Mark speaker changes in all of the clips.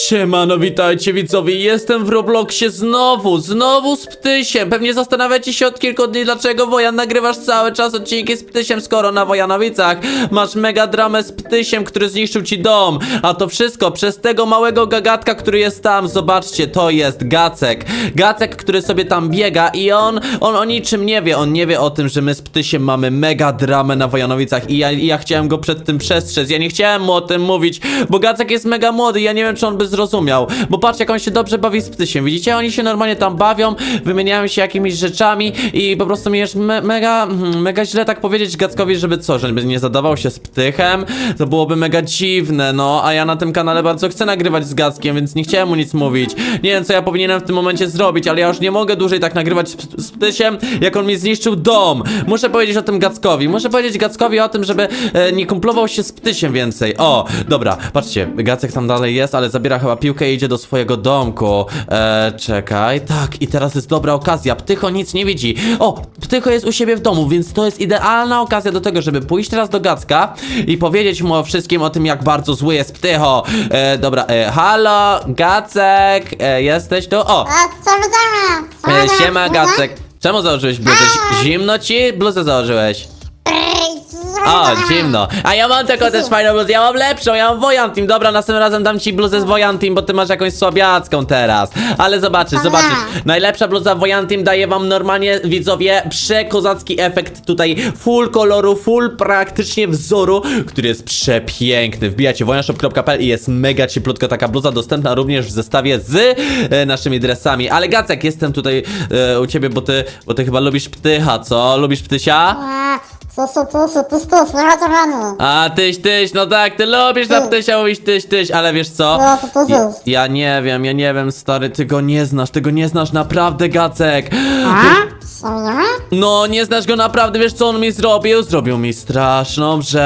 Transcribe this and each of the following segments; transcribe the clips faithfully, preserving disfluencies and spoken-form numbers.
Speaker 1: Siemano, witajcie widzowie, jestem w Robloxie znowu, znowu z Ptysiem. Pewnie zastanawiacie się od kilku dni, dlaczego Wojan nagrywasz cały czas odcinki z Ptysiem, skoro na Wojanowicach masz mega dramę z Ptysiem, który zniszczył ci dom. A to wszystko przez tego małego gagatka, który jest tam. Zobaczcie, to jest Gacek. Gacek, który sobie tam biega i on, on o niczym nie wie. On nie wie o tym, że my z Ptysiem mamy mega dramę na Wojanowicach i ja, i ja chciałem go przed tym przestrzec. Ja nie chciałem mu o tym mówić, bo Gacek jest mega młody, ja nie wiem, czy on by zrozumiał, bo patrz, jak on się dobrze bawi z Ptysiem, widzicie? Oni się normalnie tam bawią, wymieniają się jakimiś rzeczami i po prostu mi jest me mega, mega źle tak powiedzieć Gackowi, żeby co, żeby nie zadawał się z Ptychem, to byłoby mega dziwne, no, a ja na tym kanale bardzo chcę nagrywać z Gackiem, więc nie chciałem mu nic mówić. Nie wiem, co ja powinienem w tym momencie zrobić, ale ja już nie mogę dłużej tak nagrywać z, z Ptysiem, jak on mi zniszczył dom. Muszę powiedzieć o tym Gackowi, muszę powiedzieć Gackowi o tym, żeby e, nie kumplował się z Ptysiem więcej. O, dobra, patrzcie, Gacek tam dalej jest, ale zabiera chyba piłkę i idzie do swojego domku. Eee, czekaj, tak, i teraz jest dobra okazja. Ptycho nic nie widzi. O, Ptycho jest u siebie w domu, więc to jest idealna okazja do tego, żeby pójść teraz do Gacka i powiedzieć mu o wszystkim o tym, jak bardzo zły jest Ptycho. Eee, dobra, e, halo, Gacek, e, jesteś tu? O,
Speaker 2: A, co widzimy?
Speaker 1: e, siema Gacek. Czemu założyłeś bluzę? Zimno ci? Bluzę założyłeś. O, zimno. A ja mam taką też fajną bluzę, ja mam lepszą, ja mam Wojan Team. Dobra, następnym razem dam ci bluzę z Wojan Team, bo ty masz jakąś słabiacką teraz. Ale zobaczysz, zobaczysz. Najlepsza bluza Wojan Team daje wam normalnie, widzowie, przekozacki efekt tutaj. Full koloru, full praktycznie wzoru, który jest przepiękny. Wbijacie wojanshop kropka p l i jest mega cieplutka taka bluza, dostępna również w zestawie z e, naszymi dresami. Ale Gacek, jestem tutaj e, u ciebie, bo ty, bo ty chyba lubisz Ptycha, co? Lubisz Ptysia?
Speaker 2: Tyś, tyś, tyś, tyś, nie ma co rany.
Speaker 1: A, tyś, tyś, no tak, ty lubisz na Ptysia mówić tyś, tyś, ale wiesz co?
Speaker 2: No, to to
Speaker 1: Ja,
Speaker 2: tyś.
Speaker 1: ja nie wiem, ja nie wiem, stary, ty go nie znasz, ty go nie znasz naprawdę, Gacek.
Speaker 2: A? Co widzimy?
Speaker 1: No, nie znasz go naprawdę, wiesz co on mi zrobił? Zrobił mi straszną rzecz.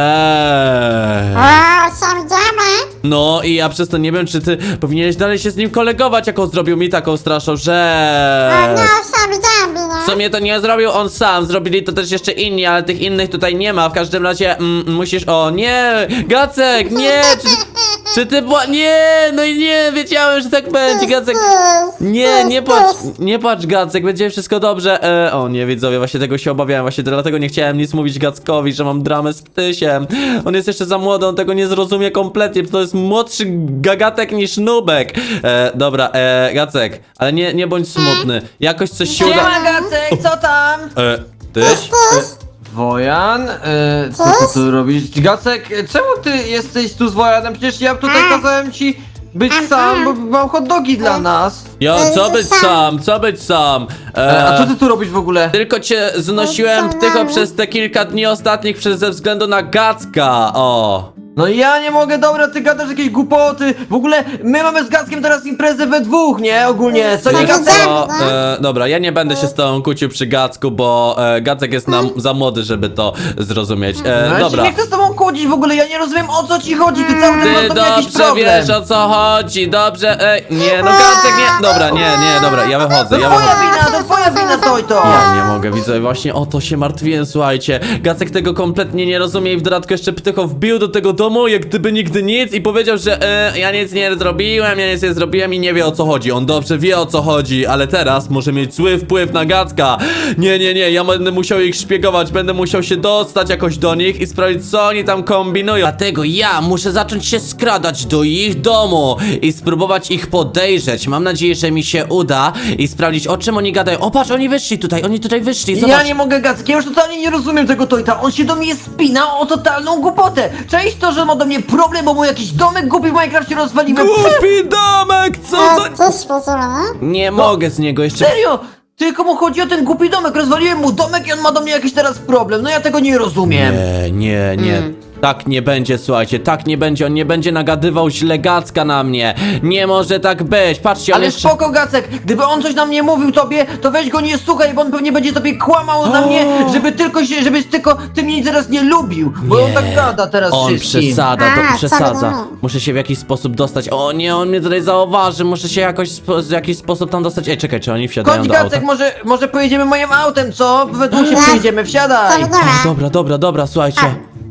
Speaker 2: O, co widzimy?
Speaker 1: No i ja przez to nie wiem, czy ty powinieneś dalej się z nim kolegować, jak on zrobił mi taką straszną
Speaker 2: O,
Speaker 1: rzecz.
Speaker 2: no, co widzimy,
Speaker 1: W
Speaker 2: no.
Speaker 1: sumie to nie zrobił on sam, zrobili to też jeszcze inni, ale tych innych tutaj nie ma. W każdym razie mm, musisz... O nie! Gacek, nie! Czy, czy ty była... Nie! No i nie! Wiedziałem, że tak będzie, Gacek. Nie, nie patrz, nie patrz Gacek, będzie wszystko dobrze. E, o nie, widzowie, właśnie tego się obawiałem, właśnie dlatego nie chciałem nic mówić Gackowi, że mam dramę z Ptysiem. On jest jeszcze za młody, on tego nie zrozumie kompletnie, to jest młodszy gagatek niż Nubek. E, dobra, e, Gacek, ale nie, nie bądź smutny. Jakoś coś się uda...
Speaker 3: Siema Gacek, co tam?
Speaker 1: E, tyś?
Speaker 2: Tyś,
Speaker 3: Wojan? E, co ty tu robisz? Gacek, e, czemu ty jesteś tu z Wojanem? Przecież ja tutaj kazałem ci być sam, bo mam hot dogi dla nas.
Speaker 1: Jo, co być sam, co być sam?
Speaker 3: E, a
Speaker 1: E,
Speaker 3: co ty tu robisz w ogóle?
Speaker 1: Tylko cię znosiłem Ptycho przez te kilka dni ostatnich przez ze względu na Gacka, o.
Speaker 3: No ja nie mogę, dobra, ty gadasz jakieś głupoty. W ogóle my mamy z Gackiem teraz imprezę we dwóch, nie? Ogólnie, co nie
Speaker 1: Wiesz
Speaker 3: Gacek?
Speaker 1: co, e, dobra, ja nie będę się z tobą kłócił przy Gacku, bo e, Gacek jest nam za młody, żeby to zrozumieć. E,
Speaker 3: No, ja
Speaker 1: dobra.
Speaker 3: się nie chcę z tobą kłócić w ogóle, ja nie rozumiem o co ci chodzi, ty cały czas
Speaker 1: Ty
Speaker 3: masz do mnie jakiś
Speaker 1: dobrze
Speaker 3: problem.
Speaker 1: wiesz, o co chodzi, dobrze, ej, nie, no Gacek nie, dobra, nie, nie, dobra, ja
Speaker 3: To
Speaker 1: wychodzę, ja
Speaker 3: twoja
Speaker 1: wychodzę.
Speaker 3: wina, to twoja wina, to i to.
Speaker 1: Ja nie mogę, widzę, właśnie o to się martwiłem, słuchajcie. Gacek tego kompletnie nie rozumie i w dodatku jeszcze Ptycho wbił do tego domu, jak gdyby nigdy nic i powiedział, że e, ja nic nie zrobiłem, ja nic nie zrobiłem i nie wie o co chodzi. On dobrze wie o co chodzi, ale teraz może mieć zły wpływ na Gacka. Nie, nie, nie, ja będę musiał ich szpiegować, będę musiał się dostać jakoś do nich i sprawdzić, co oni tam kombinują. Dlatego ja muszę zacząć się skradać do ich domu i spróbować ich podejrzeć. Mam nadzieję, że mi się uda i sprawdzić, o czym oni gadają. O, patrz, oni wyszli tutaj, oni tutaj wyszli, zobacz.
Speaker 3: Ja nie mogę Gacek, ja już totalnie nie rozumiem tego Tojta. On się do mnie spina o totalną głupotę. Cześć to, że ma do mnie problem, bo mu jakiś domek głupi w Minecrafcie rozwaliłem.
Speaker 1: Głupi domek, co
Speaker 2: O,
Speaker 1: za...
Speaker 2: tyś, widzimy,
Speaker 1: Nie mogę z niego jeszcze...
Speaker 3: Serio? Tylko mu chodzi o ten głupi domek. Rozwaliłem mu domek i on ma do mnie jakiś teraz problem. No ja tego nie rozumiem.
Speaker 1: Nie, nie, nie. Tak nie będzie, słuchajcie, tak nie będzie, on nie będzie nagadywał źle Gacka na mnie. Nie może tak być, patrzcie, on
Speaker 3: Ale
Speaker 1: jeszcze...
Speaker 3: spoko Gacek, gdyby on coś na mnie mówił tobie, to weź go nie słuchaj, bo on pewnie będzie tobie kłamał na mnie, żeby tylko się, żebyś tylko ty mnie teraz nie lubił. Bo on tak gada teraz
Speaker 1: On
Speaker 3: wszystkim.
Speaker 1: przesada, to
Speaker 2: A,
Speaker 1: przesadza.
Speaker 2: co wy-
Speaker 1: Muszę się w jakiś sposób dostać. O nie, on mnie tutaj zauważy, muszę się jakoś spo, w jakiś sposób tam dostać. Ej, czekaj, czy oni wsiadają
Speaker 3: Chodź
Speaker 1: do auta?
Speaker 3: Gacek, może, może pojedziemy moim autem, co? We dwóch się
Speaker 2: Nie.
Speaker 3: przejedziemy,
Speaker 2: Co
Speaker 3: wsiadaj.
Speaker 2: widzimy?
Speaker 1: Dobra, dobra, dobra, słuchajcie.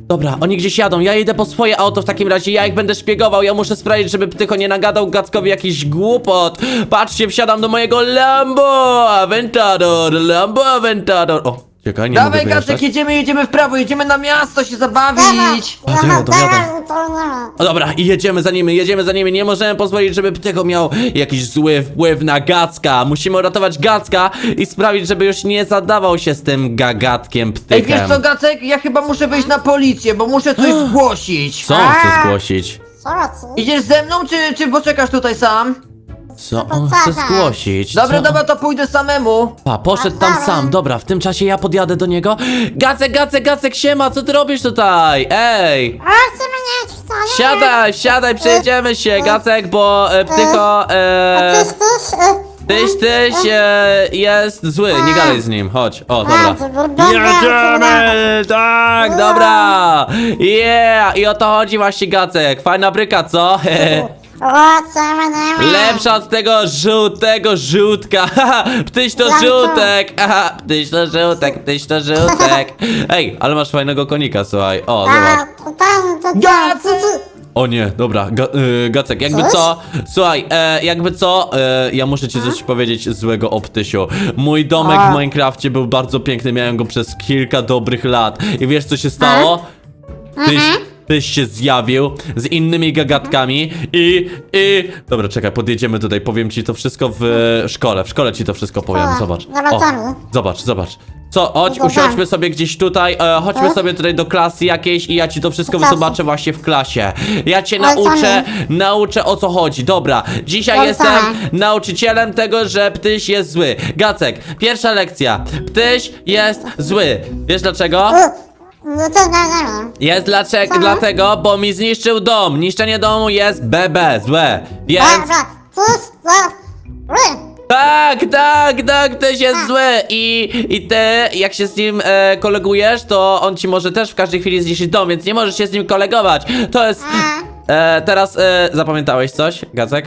Speaker 1: Dobra, oni gdzieś jadą, ja idę po swoje auto w takim razie, ja ich będę szpiegował, ja muszę sprawdzić, żeby Ptycho nie nagadał Gackowi jakiś głupot. Patrzcie, wsiadam do mojego Lambo Aventador, Lambo Aventador. O, czekaj, nie
Speaker 3: Dawaj,
Speaker 1: mogę wyjeżdżać.
Speaker 3: Gacek, jedziemy, jedziemy w prawo, jedziemy na miasto się zabawić.
Speaker 1: A, to ja, to ja, to-
Speaker 2: to nie.
Speaker 1: O, dobra, i jedziemy za nimi, jedziemy za nimi, nie możemy pozwolić, żeby Ptycho miał jakiś zły wpływ na Gacka. Musimy uratować Gacka i sprawić, żeby już nie zadawał się z tym gagatkiem
Speaker 3: Ej,
Speaker 1: Ptychem.
Speaker 3: wiesz co, Gacek? Ja chyba muszę wyjść na policję, bo muszę coś zgłosić.
Speaker 1: Co on chce zgłosić?
Speaker 2: Co ci?
Speaker 3: Idziesz ze mną, czy, czy poczekasz tutaj sam?
Speaker 1: Co on chce zgłosić?
Speaker 3: Dobra,
Speaker 1: Co?
Speaker 3: dobra, to pójdę samemu.
Speaker 1: Pa, poszedł tam sam, dobra, w tym czasie ja podjadę do niego. Gacek, Gacek, Gacek, siema, co ty robisz tutaj? Ej!
Speaker 2: O, co mnie wcale?
Speaker 1: Siadaj, siadaj, przejedziemy się, Gacek, bo e, Ptycho, e,
Speaker 2: Tyś, tyś, e,
Speaker 1: tyś, tyś e, jest zły, nie gadaj z nim, chodź, o,
Speaker 2: A,
Speaker 1: dobra.
Speaker 2: to wygląda
Speaker 1: Jedziemy, tak, dobra, yeah, i o to chodzi właśnie, Gacek, fajna bryka, co?
Speaker 2: O, co mnie?
Speaker 1: Lepsza od tego żółtego żółtka. Haha, ptyś to
Speaker 2: Jak to?
Speaker 1: żółtek. Aha, ptyś to żółtek, ptyś to żółtek. Ej, ale masz fajnego konika, słuchaj. O,
Speaker 2: A,
Speaker 1: zobacz.
Speaker 2: to tam, to tam,
Speaker 3: Gacek!
Speaker 2: ty, ty.
Speaker 1: O nie, dobra, ga, y, Gacek, jakby
Speaker 2: Coś?
Speaker 1: co? Słuchaj, e, jakby co? E, ja muszę ci coś powiedzieć złego o Ptysiu. Mój domek
Speaker 2: A.
Speaker 1: w Minecrafcie był bardzo piękny, miałem go przez kilka dobrych lat. I wiesz co się stało? Tyś, tyś się zjawił z innymi gagatkami i, i... Dobra, czekaj, podjedziemy tutaj, powiem ci to wszystko w e, szkole, w szkole ci to wszystko powiem,
Speaker 2: O,
Speaker 1: zobacz.
Speaker 2: zobaczymy.
Speaker 1: zobacz, zobacz. Co, chodź,
Speaker 2: Dobra.
Speaker 1: usiądźmy sobie gdzieś tutaj, e, chodźmy sobie tutaj do klasy jakiejś i ja ci to wszystko
Speaker 2: Do klasy.
Speaker 1: wytłumaczę właśnie w klasie. Ja cię
Speaker 2: Ale co
Speaker 1: nauczę, nauczę o co chodzi. Dobra, dzisiaj
Speaker 2: Dobra.
Speaker 1: jestem nauczycielem tego, że Ptyś jest zły. Gacek, pierwsza lekcja. Ptyś jest zły. Wiesz dlaczego?
Speaker 2: No to nie, nie wiem.
Speaker 1: Jest dlaczego,
Speaker 2: Co?
Speaker 1: dlatego, bo mi zniszczył dom. Niszczenie domu jest B B, złe. Więc...
Speaker 2: Dobra, tyś, ja, ły.
Speaker 1: Tak, tak, tak, Ptyś jest zły i, i ty, jak się z nim e, kolegujesz, to on ci może też w każdej chwili zniszczyć dom, więc nie możesz się z nim kolegować. To jest... E, teraz e, zapamiętałeś coś, Gacek?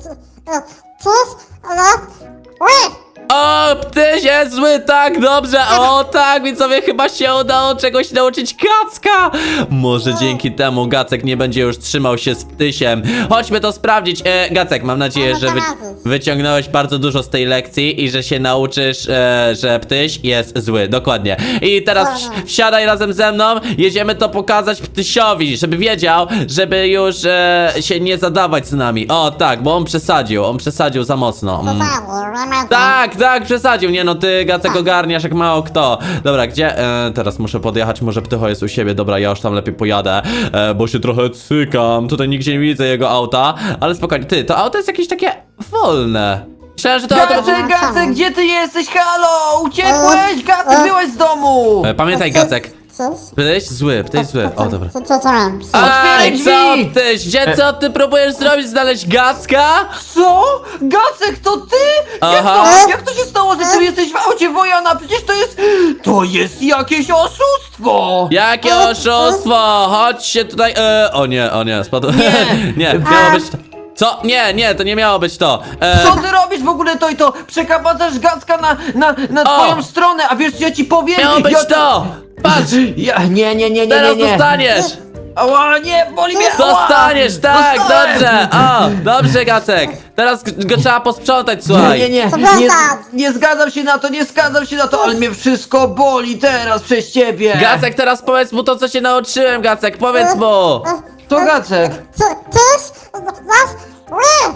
Speaker 2: Tyś, ja, ły.
Speaker 1: O, Ptyś jest zły, tak, dobrze, o tak, widzowie, chyba się udało czegoś nauczyć Gacka. Może dzięki temu Gacek nie będzie już trzymał się z Ptysiem. Chodźmy to sprawdzić. E, Gacek, mam nadzieję, że wy, wyciągnąłeś bardzo dużo z tej lekcji i że się nauczysz, e, że Ptyś jest zły, dokładnie. I teraz wsi- wsiadaj razem ze mną, jedziemy to pokazać Ptysiowi, żeby wiedział, żeby już e, się nie zadawać z nami. O, tak, bo on przesadził, on przesadził za mocno. Mm. Tak, tak, przesadził. Nie no, ty Gacek ogarniasz jak mało kto. Dobra, gdzie? E, teraz muszę podjechać, może Ptycho jest u siebie. Dobra, ja już tam lepiej pojadę, e, bo się trochę cykam. Tutaj nigdzie nie widzę jego auta, ale spokojnie. Ty, to auto jest jakieś takie wolne. Myślałem, że to auto...
Speaker 3: Gacek, Gacek, gdzie ty jesteś? Halo, uciekłeś? Gacek, byłeś z domu.
Speaker 1: E, pamiętaj, Gacek.
Speaker 2: Tyś.
Speaker 1: Ptyś zły, Ptyś zły. O, dobra.
Speaker 2: Co, co, co mam?
Speaker 3: Otwieraj
Speaker 1: Ej, co
Speaker 3: drzwi!
Speaker 1: Ptyś? Gdzie, co ty próbujesz zrobić? Znaleźć Gacka?
Speaker 3: Co? Gacek, to ty? Jak
Speaker 1: Aha.
Speaker 3: to, jak to się stało, że ty jesteś w aucie Wojana? Przecież to jest... To jest jakieś oszustwo!
Speaker 1: Jakie oszustwo! Chodź się tutaj. E, o nie, o nie, spadł.
Speaker 3: Nie.
Speaker 1: nie, miało być to. Co? Nie, nie, to nie miało być to. E,
Speaker 3: Co ty robisz w ogóle to i to? Przekabacasz Gacka na, na, na
Speaker 1: O!
Speaker 3: twoją stronę, a wiesz co ja ci powiem?
Speaker 1: Miało być
Speaker 3: ja
Speaker 1: to! Patrz!
Speaker 3: Ja, nie, nie, nie, nie,
Speaker 1: Teraz
Speaker 3: nie, nie.
Speaker 1: dostaniesz!
Speaker 3: Ała, nie, boli mnie! ała!
Speaker 1: Dostaniesz, tak,
Speaker 3: Dostałem!
Speaker 1: dobrze! O, dobrze, Gacek! Teraz g- go trzeba posprzątać,
Speaker 3: Nie,
Speaker 1: słuchaj.
Speaker 3: nie, nie,
Speaker 2: Co
Speaker 3: nie,
Speaker 2: dostać?
Speaker 3: nie zgadzam się na to, nie zgadzam się na to, ale mnie wszystko boli teraz przez ciebie.
Speaker 1: Gacek, teraz powiedz mu to, co się nauczyłem, Gacek, powiedz mu!
Speaker 3: To Gacek.
Speaker 2: Co, tyś, was, ły.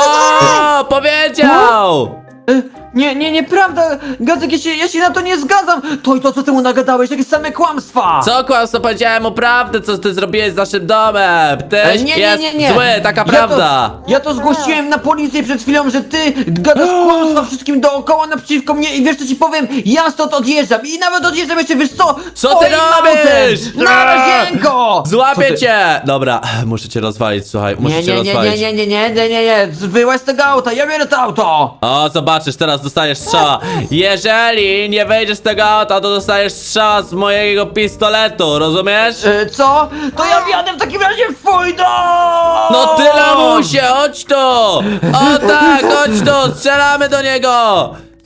Speaker 1: O, powiedział!
Speaker 3: E, Nie, nie, nieprawda, Gacek, ja się, ja się na to nie zgadzam. To i to, co ty mu nagadałeś, jakieś same kłamstwa.
Speaker 1: Co kłamstwo, powiedziałem mu prawdę, co ty zrobiłeś z naszym domem! Ty
Speaker 3: E, nie, nie,
Speaker 1: jest
Speaker 3: nie, nie.
Speaker 1: zły, taka
Speaker 3: Ja
Speaker 1: prawda!
Speaker 3: To, ja to zgłosiłem na policję przed chwilą, że ty gadasz kłamstwa wszystkim dookoła naprzeciwko mnie i wiesz co ci powiem? Ja stąd odjeżdżam i nawet odjeżdżam jeszcze, wiesz co?
Speaker 1: Co ty
Speaker 3: Twoim
Speaker 1: robisz?
Speaker 3: autem. Na razienko! Co
Speaker 1: Złapię
Speaker 3: ty-
Speaker 1: cię! Dobra, muszę cię rozwalić, słuchaj, muszę
Speaker 3: Nie,
Speaker 1: cię
Speaker 3: nie, nie,
Speaker 1: rozwalić.
Speaker 3: nie, nie, nie, nie, nie, nie, nie, wyłaź z tego auta, ja biorę to auto!
Speaker 1: O, zobaczysz, teraz dostajesz strzała. Jeżeli nie wejdziesz z tego auta, to dostajesz strzała z mojego pistoletu, rozumiesz?
Speaker 3: E, co? To ja wjadę w takim razie w twój dom!
Speaker 1: No ty lamusie, chodź tu! O tak, chodź tu, strzelamy do niego!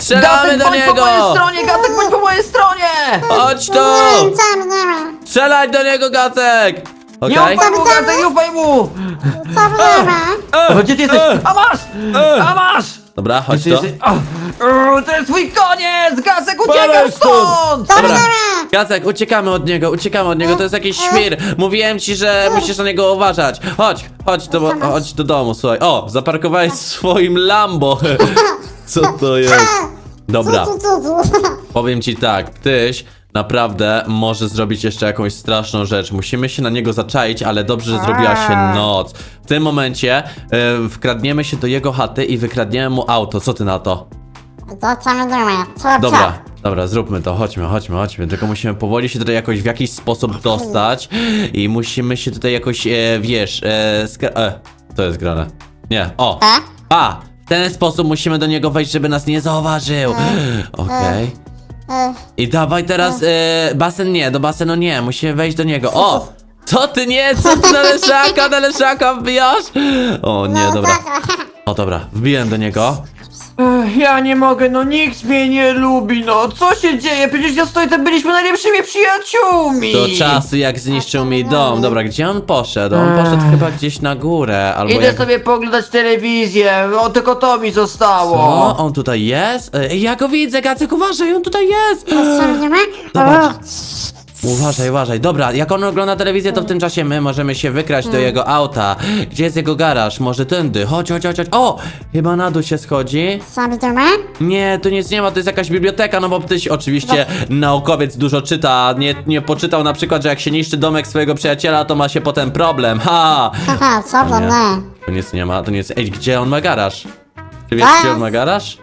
Speaker 1: Strzelamy
Speaker 3: Gacek,
Speaker 1: do
Speaker 3: bądź po mojej
Speaker 1: niego!
Speaker 3: stronie, Gacek, bądź po mojej stronie!
Speaker 1: Chodź tu!
Speaker 2: Nie wiem, co mnie ma.
Speaker 1: Strzelaj do niego, Gacek!
Speaker 3: Nie
Speaker 1: Okej?
Speaker 3: ufaj mu, Gacek, nie ufaj mu!
Speaker 2: Co mnie ma.
Speaker 3: O, gdzie ty jesteś? A masz! A masz!
Speaker 1: Dobra, chodź
Speaker 3: Ty
Speaker 1: tu.
Speaker 3: jesteś... O, o, to jest twój koniec! Gacek,
Speaker 1: Spadaj
Speaker 3: uciekaj
Speaker 1: stąd!
Speaker 3: stąd!
Speaker 2: Co mnie
Speaker 1: Dobra.
Speaker 2: ma.
Speaker 1: Gacek, uciekamy od niego, uciekamy od niego, to jest jakiś świr. Mówiłem ci, że musisz na niego uważać. Chodź, chodź do, chodź do domu, słuchaj. O, zaparkowałeś w swoim Lambo. Co to jest? Dobra,
Speaker 2: Tu, tu, tu, tu.
Speaker 1: powiem ci tak, Ptyś naprawdę może zrobić jeszcze jakąś straszną rzecz. Musimy się na niego zaczaić, ale dobrze, że zrobiła się noc. W tym momencie e, wkradniemy się do jego chaty i wykradniemy mu auto. Co ty na to?
Speaker 2: To co mnie ma. Co,
Speaker 1: Dobra, dobra, zróbmy to, chodźmy, chodźmy, chodźmy. Tylko musimy powoli się tutaj jakoś w jakiś sposób dostać i musimy się tutaj jakoś, e, wiesz, e, skra- e, to jest grane. Nie, o,
Speaker 2: E?
Speaker 1: a, w ten sposób musimy do niego wejść, żeby nas nie zauważył. Okej.
Speaker 2: E,
Speaker 1: I dawaj teraz, e, basen nie, do basenu nie, musimy wejść do niego. O! Co ty nie, co ty na leszaka, na leszaka wbijasz? O nie,
Speaker 2: no,
Speaker 1: dobra.
Speaker 2: tak.
Speaker 1: O dobra, wbiłem do niego.
Speaker 3: Ech, ja nie mogę, no nikt mnie nie lubi, no co się dzieje? Przecież ja stoję, tam byliśmy najlepszymi przyjaciółmi!
Speaker 1: Do czasu jak zniszczył mi dom. Dobra, gdzie on poszedł? On poszedł chyba gdzieś na górę, albo
Speaker 3: Idę
Speaker 1: jak...
Speaker 3: sobie poglądać telewizję, o tylko to mi zostało!
Speaker 1: O, on tutaj jest? E, Ja go widzę, Gacek, uważaj, on tutaj jest!
Speaker 2: Co mnie ma.
Speaker 1: Zobacz. Uważaj, uważaj. Dobra, jak on ogląda telewizję, to w tym czasie my możemy się wykraść do jego auta. Gdzie jest jego garaż? Może tędy. Chodź, chodź, chodź, chodź. O! Chyba na dół się schodzi.
Speaker 2: Co mnie ma.
Speaker 1: Nie, tu nic nie ma, to jest jakaś biblioteka, no bo Ptyś oczywiście naukowiec dużo czyta. Nie, nie poczytał na przykład, że jak się niszczy domek swojego przyjaciela, to ma się potem problem. Ha!
Speaker 2: Haha, co mnie
Speaker 1: Nie.
Speaker 2: ma.
Speaker 1: Tu nic nie ma, tu nic. Ej, gdzie on ma garaż? Czy wiesz, gdzie on ma garaż?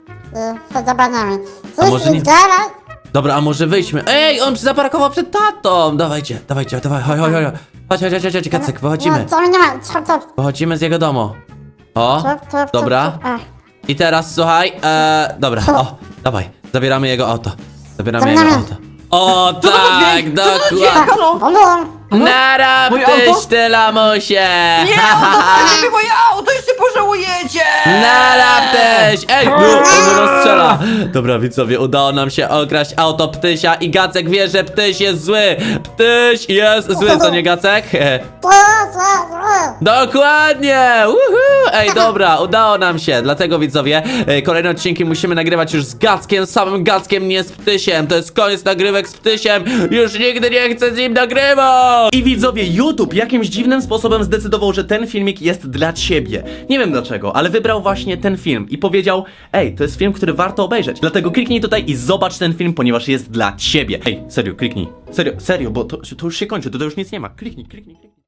Speaker 2: To zobaczymy.
Speaker 1: A może
Speaker 2: Coś
Speaker 1: nie-
Speaker 2: jest gara.
Speaker 1: Dobra, a może wyjdźmy. Ej, on zaparkował przed tatą! Dawajcie, dawajcie, dawaj, chodź, chodź, chodź. Chodź, chodź, chodź, chodź, Kacek, wychodzimy.
Speaker 2: No, co mnie ma. Co to.
Speaker 1: Wychodzimy z jego domu. O,
Speaker 2: Co, co, co,
Speaker 1: dobra.
Speaker 2: co, a.
Speaker 1: I teraz słuchaj, e, dobra, o, dawaj, zabieramy jego auto. Zabieramy
Speaker 2: Zabieramy.
Speaker 1: jego auto. O,
Speaker 3: Co to za
Speaker 1: tak,
Speaker 3: dźwięk? Co to za dźwięk?
Speaker 1: dokładnie.
Speaker 3: Halo?
Speaker 2: Balon.
Speaker 1: Nara,
Speaker 3: Moje
Speaker 1: Ptyś,
Speaker 3: auto?
Speaker 1: ty lamusie!
Speaker 3: Nie, oddawajcie mi moje auto, jeszcze pożałujecie!
Speaker 1: Nara, Ptyś! Ej, no, on rozstrzela. Dobra, widzowie, udało nam się okraść auto Ptysia i Gacek wie, że Ptyś jest zły. Ptyś jest zły, co nie, Gacek?
Speaker 2: To, co, co.
Speaker 1: Dokładnie! Uhu! Ej, dobra, udało nam się. Dlatego, widzowie, e, kolejne odcinki musimy nagrywać już z Gackiem, samym Gackiem, nie z Ptysiem. To jest koniec nagrywek z Ptysiem. Już nigdy nie chcę z nim nagrywać!
Speaker 4: I widzowie, YouTube jakimś dziwnym sposobem zdecydował, że ten filmik jest dla ciebie. Nie wiem dlaczego, ale wybrał właśnie ten film i powiedział: ej, to jest film, który warto obejrzeć. Dlatego kliknij tutaj i zobacz ten film, ponieważ jest dla ciebie. Ej, serio, kliknij. Serio, serio, bo to, to już się kończy, to, to już nic nie ma. Kliknij, kliknij, kliknij.